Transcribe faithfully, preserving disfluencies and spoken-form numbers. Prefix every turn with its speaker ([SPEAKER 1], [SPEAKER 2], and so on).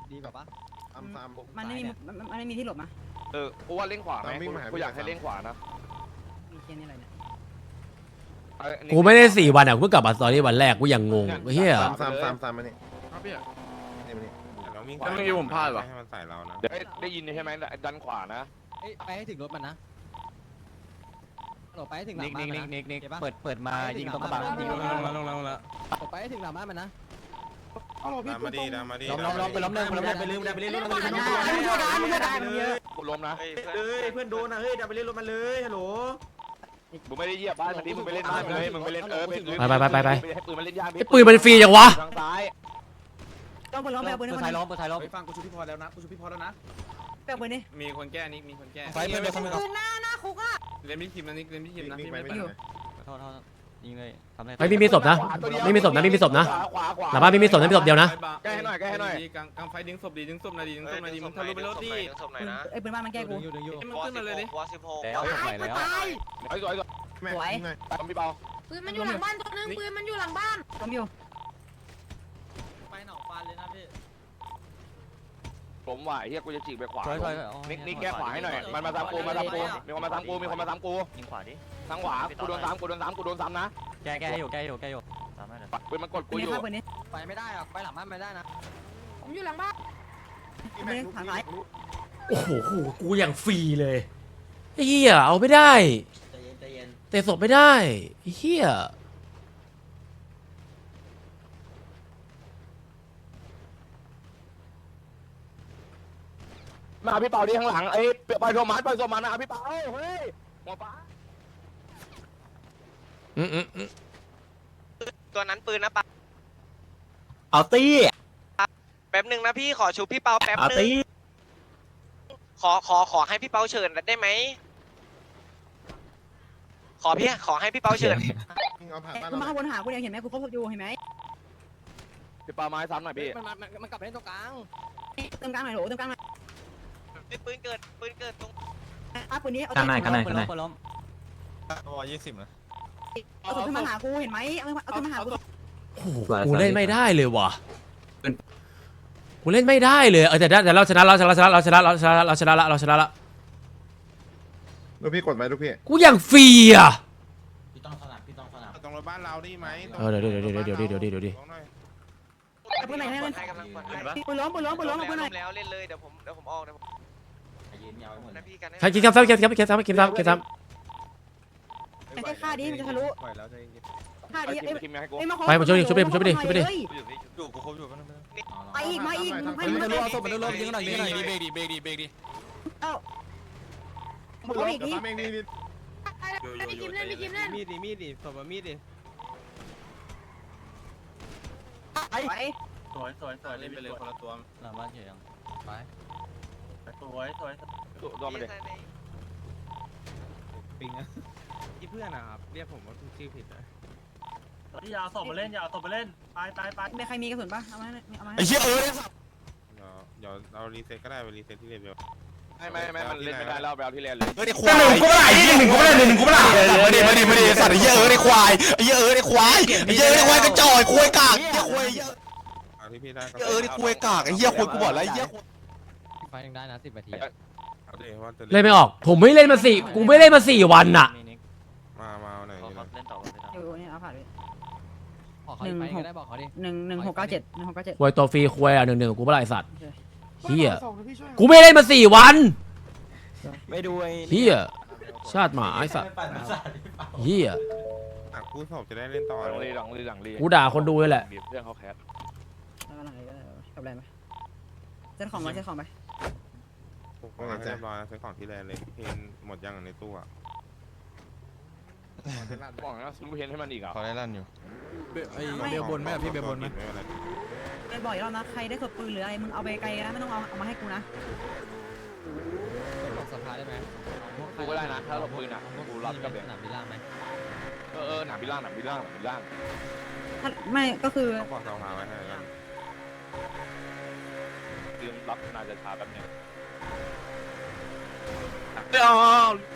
[SPEAKER 1] ดีกว่าปะ
[SPEAKER 2] มันไม่มีมันไม่มีที่หลบนะ
[SPEAKER 3] เออกูว่าเล่นขวาไหมกูอยากให้เล่นขวานะ
[SPEAKER 2] มีเคียนนี่อะไรเนี่ย
[SPEAKER 4] กูไม่ได้สี่วันอ่ะกูเพิ่งกลับมาตอนนี้วันแรกกูยังงงเฮีย
[SPEAKER 5] สามสามสามสามมานี่
[SPEAKER 1] ครับพี่
[SPEAKER 5] นี่มานี่
[SPEAKER 6] เราวิ่ง
[SPEAKER 3] เมื่อกี้ผมพลาดว่ะ
[SPEAKER 6] ให้มันใส่เรานะ
[SPEAKER 3] เดี๋ยวได้ยินใช่ไหมดันขวานะ
[SPEAKER 1] ไปให้ถึงรถมันนะหลบไปให้ถึงหลั
[SPEAKER 7] นิ
[SPEAKER 1] ง
[SPEAKER 7] ก
[SPEAKER 1] บ้า
[SPEAKER 7] นิ
[SPEAKER 1] น
[SPEAKER 7] ก
[SPEAKER 1] มัน
[SPEAKER 7] นิก
[SPEAKER 1] นะ
[SPEAKER 7] นิกนิก
[SPEAKER 1] เห็นปะ
[SPEAKER 7] เปิดเปิดมายิงตรงกระบะยิง
[SPEAKER 1] ล
[SPEAKER 7] ล
[SPEAKER 1] ง
[SPEAKER 7] ง
[SPEAKER 1] แล้
[SPEAKER 7] แล้ว ว
[SPEAKER 1] ล
[SPEAKER 7] ล
[SPEAKER 1] ง
[SPEAKER 7] ง
[SPEAKER 1] แล้
[SPEAKER 7] แล้ว ว
[SPEAKER 1] ล
[SPEAKER 7] ล
[SPEAKER 1] ง
[SPEAKER 7] ง
[SPEAKER 1] แล้
[SPEAKER 7] แล้ว ว
[SPEAKER 1] หลบไปให้ถึงหลังบ้านมันนะ
[SPEAKER 6] ดามาดีดามาดี
[SPEAKER 7] ล้มล้มไปล้มหนึ่งไปล้มหนึ่งไปลืมไปลืมไปลืมไปลืม
[SPEAKER 3] กูล้มนะ
[SPEAKER 8] เฮ้ยเพื่อนโดนนะเฮ้ยเดี๋ยวไปเล่นรถมันเลยฮัลโหล
[SPEAKER 3] มึงไม่ได้เหยียบบ้านมันดิมึงไปเล่นบ้านเลยมึงไปเล่นเออให้ปืนมันเล่นยาก
[SPEAKER 4] ไอ้ปืนมันฟรีจังวะ
[SPEAKER 3] ทางซ้าย
[SPEAKER 2] ต้องไปล้อมไปเอาปืน
[SPEAKER 7] เปิ
[SPEAKER 2] ให้
[SPEAKER 7] ด
[SPEAKER 2] มัน
[SPEAKER 7] ท้ายล้มเปิดท้ายล้ม
[SPEAKER 1] ไปฟังกูชูพี่พอแล้วนะกูชูพี่พอแล้วนะ
[SPEAKER 2] ไปเอาปืนนี่
[SPEAKER 1] มีคนแก้นิกมีคนแก้
[SPEAKER 7] ไฟเปิดเดี๋ยวคนนึง
[SPEAKER 2] ปืนหน้าหน้าคุกอ่ะ
[SPEAKER 1] เล่นพี่ทีมนะนิกเล่นพี่ทีมนะ
[SPEAKER 5] นี่
[SPEAKER 1] พี่
[SPEAKER 5] ไป
[SPEAKER 1] ไม่
[SPEAKER 5] ไม่
[SPEAKER 1] ไป
[SPEAKER 5] ได้
[SPEAKER 7] โทษโทษยิงเลยทำได้
[SPEAKER 4] ไม่มีศพนะไม่มีศพนะไม่มีศพนะ
[SPEAKER 3] ขวาขวาขวา
[SPEAKER 4] หลังบ้านไม่มีศพนะมีศพเดียวนะ
[SPEAKER 3] แก้ให้หน่อยแก้ให้หน่อย
[SPEAKER 1] กลางกลางไฟดึงศพดีดึงศพหน่อยดีดึงศพหน่อยดีมึงทะลุไปรถดิ
[SPEAKER 2] ไอ้ปืนบ้านมันแก้กู
[SPEAKER 7] อยู่ดึงอยู่
[SPEAKER 1] มันขึ้นมาเลยดิ
[SPEAKER 7] แล้วศพไหนแล้ว
[SPEAKER 3] ไอ้สวยสวย
[SPEAKER 5] แม่ไง
[SPEAKER 3] ทำพี่เบา
[SPEAKER 2] ปืนมันอยู่หลังบ้านตัวนึงปืนมันอยู่หลังบ้านล้มอยู่
[SPEAKER 1] ไปหนองฟันเลยนะพี่
[SPEAKER 3] ผมไหวเฮียกูจะจีบไปขวา
[SPEAKER 7] ช่วยช่วย
[SPEAKER 3] นิกนิกแก้ขวาให้หน่อยมันมาตามกูมาตามกูมีคนมาตามกูมีคนมาตามกู
[SPEAKER 7] ยิงขวาดิ
[SPEAKER 3] ทางขวากูโดนซ้ำกูโดนซ้ำกูโดนซ้ำนะ
[SPEAKER 7] แก้แก้อยู่แก้อยู่แก้อยู่ทำได้เลย
[SPEAKER 3] ปืนมันกด
[SPEAKER 2] ปื
[SPEAKER 3] กู
[SPEAKER 2] น
[SPEAKER 3] อ
[SPEAKER 2] นี้
[SPEAKER 3] ยู่
[SPEAKER 2] ฆ่าปืนนี้
[SPEAKER 1] ไปไม่ได้หรอกไปหลังบ้านไม่ได้นะ
[SPEAKER 2] ผมอยู่หลังบ้านปืนนี้ผ่านไหน
[SPEAKER 4] โอ้โหกูอย่างฟรีเลยไอ้เฮียเอาไม่ได้
[SPEAKER 8] ใจเย็นใจเย็น
[SPEAKER 4] แต่ศพไม่ได้ไอ้เฮีย
[SPEAKER 3] มาพี่เปาดิข้างหลังเอ้ยไปโทมัสไปโทมัสนะพี่เปาเฮ้ยหัวฟ้า
[SPEAKER 4] อืมอืมอืม
[SPEAKER 9] ตัวนั้นปืนนะปะ
[SPEAKER 8] เอาตี้
[SPEAKER 9] แป๊บหนึ่งนะพี่ขอชูพี่เปาแป๊บ
[SPEAKER 8] เอา
[SPEAKER 9] หนึ่ง
[SPEAKER 8] ตี้
[SPEAKER 9] ขอขอขอให้พี่เปาเชิญได้ไหมขอพี่ขอให้พี่เปาเชิญ
[SPEAKER 5] เอาผ่านบ้าน
[SPEAKER 2] กู
[SPEAKER 5] เรา
[SPEAKER 2] มาวนหากูเนี่ยเห็นไหมกูครบอยู่เห็นไหม
[SPEAKER 3] พี่เปาไม้ซ้ำหน่อยพี่
[SPEAKER 1] มันมันมันกลับไปเล่นตรงกลาง
[SPEAKER 2] เติมกลางหน่อยโหเติมกลางหน่อย
[SPEAKER 9] ปืนเกิดปืนเกิดตรง
[SPEAKER 2] อ่ะปืนนี้เอา
[SPEAKER 7] กันไหนกันไหนกันไหนล้ม
[SPEAKER 6] ร้อยยี่สิบนะ
[SPEAKER 2] เอาศพขึ้นมาหากูเห็นไหมเอาเอาขึ้นมาหากู
[SPEAKER 4] โอ้โหกูเล่นไม่ได้เลยว่ะกูเล่นไม่ได้เลยเออแต่แต่เราชนะเราชนะเราชนะเราชนะเราชนะเราชนะละเราชนะละ
[SPEAKER 5] ลูกพี่กดไหมลูกพี่
[SPEAKER 4] กูอย่างฟรีอ่ะ
[SPEAKER 8] พี่ต้องสนับพี่ต้องสนับ
[SPEAKER 6] ตรงรถบ้านเราได้ไหม
[SPEAKER 4] เออเดี๋ยวเดี๋ยวเดี๋ยวเดี๋ยวเดี๋ยวเดี๋ยวเดี๋ยวเดี๋ยว
[SPEAKER 2] เอาปืนไหนให้มัน
[SPEAKER 9] ให้กำลังคน
[SPEAKER 2] ปืนล้มปืนล้มปืนล้มเอาปืนไหน
[SPEAKER 9] แล้วเล่นเลยเดี๋ยวผมเดี๋ยวผมออกเดี๋ยวผม
[SPEAKER 8] ยืนยาวไว้หมด
[SPEAKER 9] นะพี่กัน
[SPEAKER 4] ใครกินซ้ำซ้ำกินซ้ำกินซ้ำกินซ้ำกินซ้ำ
[SPEAKER 2] ไอ้ฆ่าดิมันจะทะลุ
[SPEAKER 1] ปล่อยแล้วใจเย็น
[SPEAKER 2] ฆ่าดิ
[SPEAKER 3] คิมคิมให้กู
[SPEAKER 2] ไอ้มา
[SPEAKER 4] ไปมาช่วยดิช่วยไปดิช่วยไปดิช่วยไปดิ
[SPEAKER 6] อยู่กูครบอยู่กัน
[SPEAKER 2] ไปอีกมาอีกให้
[SPEAKER 7] มัน
[SPEAKER 2] มัน
[SPEAKER 7] จะ
[SPEAKER 2] มา
[SPEAKER 7] ล้มศพมันจะล้มยิงหน่อยยิงหน่อย
[SPEAKER 1] เบรกดิเบรกดิเบรกดิ
[SPEAKER 2] เอ้า
[SPEAKER 5] มือลงกับซ้ำเองนี่นี่
[SPEAKER 2] พี่กิมเล่นพี่กิมเล่น
[SPEAKER 1] มีดดิมีดดิศพมีดดิ
[SPEAKER 2] ไป
[SPEAKER 8] สวยสวยสวย
[SPEAKER 1] เล่นไปเลยคนละตัว
[SPEAKER 7] หลังบ้านเฉยยังไป
[SPEAKER 8] สวยสวย
[SPEAKER 3] โดนมาเลย
[SPEAKER 1] ปิงอะที่เพื่อนนะครับเรียกผมว่าชื่อผิดนะ
[SPEAKER 8] อย่าเอาศพมาเล่นอย่าเอาศพมาเล่นไปไปไป
[SPEAKER 2] มีใครมีกระสุนปะเอามาเอามา
[SPEAKER 6] ไอ้เหี้ยเออเดี๋ยวเรารีเซ็ตก็ได้ไปรีเซ็ตที่เลเวล
[SPEAKER 3] ไม่ไม่ไม่มันเล่นไม่ได้แล้วไปเอาที่เล่นเลย
[SPEAKER 6] เออไอ้ควายหนึ่งกูไม่ได้ยี่หนึ่งกูไม่ได้หนึ่งกูไม่ได้มาดิมาดิมาดิสัตว์ไอ้เหี้ยเออไอ้ควายไอ้เหี้ยเออไอ้ควายไอ้เหี้ยเออไอ้ควายกระจอกควายกากไอ้เหี้ยควายเหี้ยที่พี่ได้เออไอ้ควายกากไอ้เหี้ยควายกูบอกแล้วไอ้เหี้ย
[SPEAKER 7] ไฟยังได้นะสิบนาที
[SPEAKER 6] เอาดิว่าจะ
[SPEAKER 4] เล่นไม่ออกผมไม่เล่นมาสี่กูไม่เล่นมาสี่วันน่ะ
[SPEAKER 6] มามาหน่อย
[SPEAKER 7] เล่นต่อ
[SPEAKER 2] อยู่เนี่ยเอาผ่านไป
[SPEAKER 7] บอกเขาไปก็ได้บอกเขาดิ
[SPEAKER 2] หนึ่งหนึ่งหกเก้าเจ็ดหนึ่งหกเก้าเจ็ด
[SPEAKER 4] ควยตัวฟรีควยอ่ะหนึ่งหนึ่งกูเมื่อไรสัตว์เฮียกูไม่เล่นมาสี่วัน
[SPEAKER 8] ไม่ดูไอ้
[SPEAKER 4] เฮียชาติหมาไอ้สัตว์เฮีย
[SPEAKER 6] อ่ะกูสอบจะได้เล่นต่อ
[SPEAKER 3] หลังรีหลังรีหลังรี
[SPEAKER 4] กูด่าคนดูเลยแหละ
[SPEAKER 3] เรื่องเขาแคส
[SPEAKER 2] แล้วก็หลังนี้ก็กับอะไรไหมเซ็ตของมาเซ็ตของไป
[SPEAKER 6] ก็เรียบร้อยแล้วซื้อของที่แลนเลยเพนหมดยังในตู้อ่ะ
[SPEAKER 3] บอกนะซื้อเพนให้มันอีกอ่ะ
[SPEAKER 6] เขาได้ลั่นอยู่
[SPEAKER 1] ไอ้เบลบนไหมพี่เบลบนไหม
[SPEAKER 6] ไม่เป็นไร
[SPEAKER 2] ไปบ่อยรอบนะใครได้ศพปืนหรืออะไรมึงเอาไปไกลนะไม่ต้องเอาเอามาให้กูนะ
[SPEAKER 7] บอกสภาได้ไหม
[SPEAKER 3] กูก็ได้นะถ้าเราปืนอ่ะกูรับกับ
[SPEAKER 7] ส
[SPEAKER 3] เด็ก
[SPEAKER 7] นามบินล่างไหม
[SPEAKER 3] เออเออหนาบิล่างหนาบิล่างหนาบิล่าง
[SPEAKER 2] ถ้าไม่ก็คือ
[SPEAKER 6] เขาบอกเราพาไว้ให้กัน
[SPEAKER 3] เตรียมรับนาจะช้าแป๊บนึง